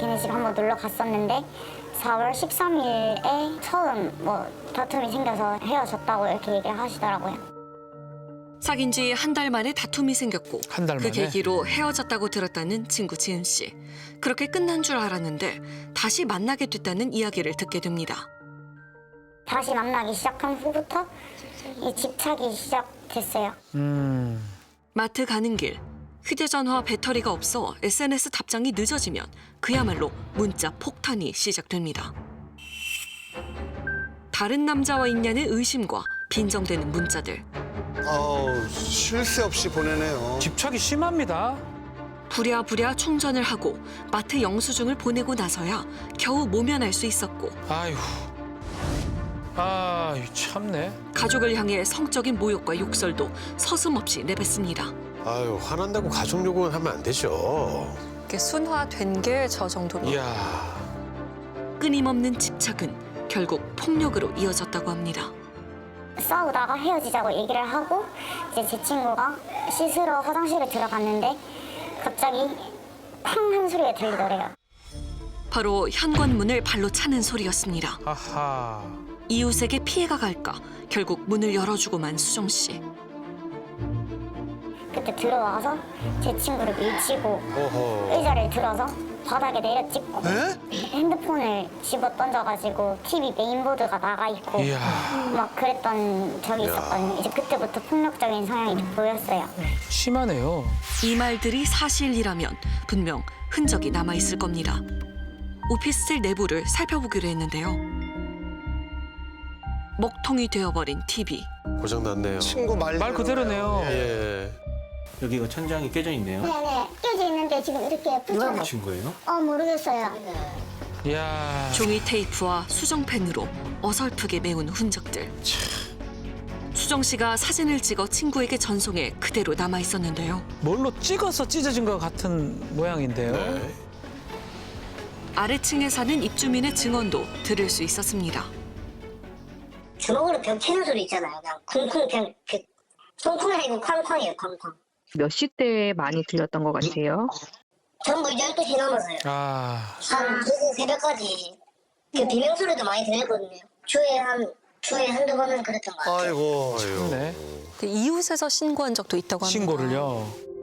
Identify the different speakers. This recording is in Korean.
Speaker 1: 걔네 집 한번 놀러 갔었는데 4월 13일에 처음 다툼이 생겨서 헤어졌다고 이렇게 얘기를 하시더라고요.
Speaker 2: 사귄 지 한 달 만에 다툼이 생겼고
Speaker 3: 한 달
Speaker 2: 그
Speaker 3: 만에?
Speaker 2: 계기로 헤어졌다고 들었다는 친구 지은 씨. 그렇게 끝난 줄 알았는데 다시 만나게 됐다는 이야기를 듣게 됩니다.
Speaker 1: 다시 만나기 시작한 후부터 이 집착이 시작됐어요.
Speaker 2: 마트 가는 길, 휴대전화 배터리가 없어 SNS 답장이 늦어지면 그야말로 문자 폭탄이 시작됩니다. 다른 남자와 있냐는 의심과 빈정대는 문자들.
Speaker 4: 쉴 새 없이 보내네요.
Speaker 3: 집착이 심합니다.
Speaker 2: 부랴부랴 충전을 하고 마트 영수증을 보내고 나서야 겨우 모면할 수 있었고
Speaker 3: 아휴. 참네.
Speaker 2: 가족을 향해 성적인 모욕과 욕설도 서슴없이 내뱉습니다.
Speaker 4: 아유, 화난다고 가족 욕은 하면 안 되죠.
Speaker 5: 이게 순화된 게 저 정도면.
Speaker 3: 이야.
Speaker 2: 끊임없는 집착은 결국 폭력으로 이어졌다고 합니다.
Speaker 1: 싸우다가 헤어지자고 얘기를 하고 이제 제 친구가 씻으러 화장실에 들어갔는데 갑자기 팡 한 소리가 들리더래요.
Speaker 2: 바로 현관문을 발로 차는 소리였습니다.
Speaker 3: 아하.
Speaker 2: 이웃에게 피해가 갈까 결국 문을 열어주고만 수정 씨.
Speaker 1: 그때 들어와서 제 친구를 밀치고
Speaker 4: 어허.
Speaker 1: 의자를 들어서 바닥에 내려찍고
Speaker 4: 에?
Speaker 1: 핸드폰을 집어 던져가지고 TV 메인보드가 나가 있고
Speaker 3: 이야.
Speaker 1: 막 그랬던 적이 있었거든요. 이제 그때부터 폭력적인 성향이 보였어요.
Speaker 3: 심하네요.
Speaker 2: 이 말들이 사실이라면 분명 흔적이 남아있을 겁니다. 오피스텔 내부를 살펴보기로 했는데요. 먹통이 되어버린 TV.
Speaker 4: 고장났네요. 친구
Speaker 3: 말 그대로네요.
Speaker 4: 예.
Speaker 6: 여기가 천장이 깨져 있네요.
Speaker 1: 네네 깨져 있는데 지금 이렇게
Speaker 6: 누가 붙인 거예요?
Speaker 1: 모르겠어요.
Speaker 3: 이야.
Speaker 2: 종이 테이프와 수정펜으로 어설프게 메운 흔적들. 수정 씨가 사진을 찍어 친구에게 전송해 그대로 남아 있었는데요.
Speaker 3: 뭘로 찍어서 찢어진 것 같은 모양인데요.
Speaker 4: 네.
Speaker 2: 아래층에 사는 입주민의 증언도 들을 수 있었습니다.
Speaker 7: 주먹으로 벽 치는 소리 있잖아요. 그냥 쿵쿵 그냥 쿵쿵이 아니고 쾅쾅이에요. 쾅쾅.
Speaker 8: 몇 시대에 많이 들렸던 것 같아요?
Speaker 7: 전부 12시 넘어서요.
Speaker 3: 아.
Speaker 7: 한 늦은 새벽까지 그 비명소리도 많이 들렸거든요. 주에 한두 번은 그랬던 것 같아요.
Speaker 4: 아이고.
Speaker 3: 참네.
Speaker 5: 그 이웃에서 신고한 적도 있다고 합니다.
Speaker 3: 신고를요.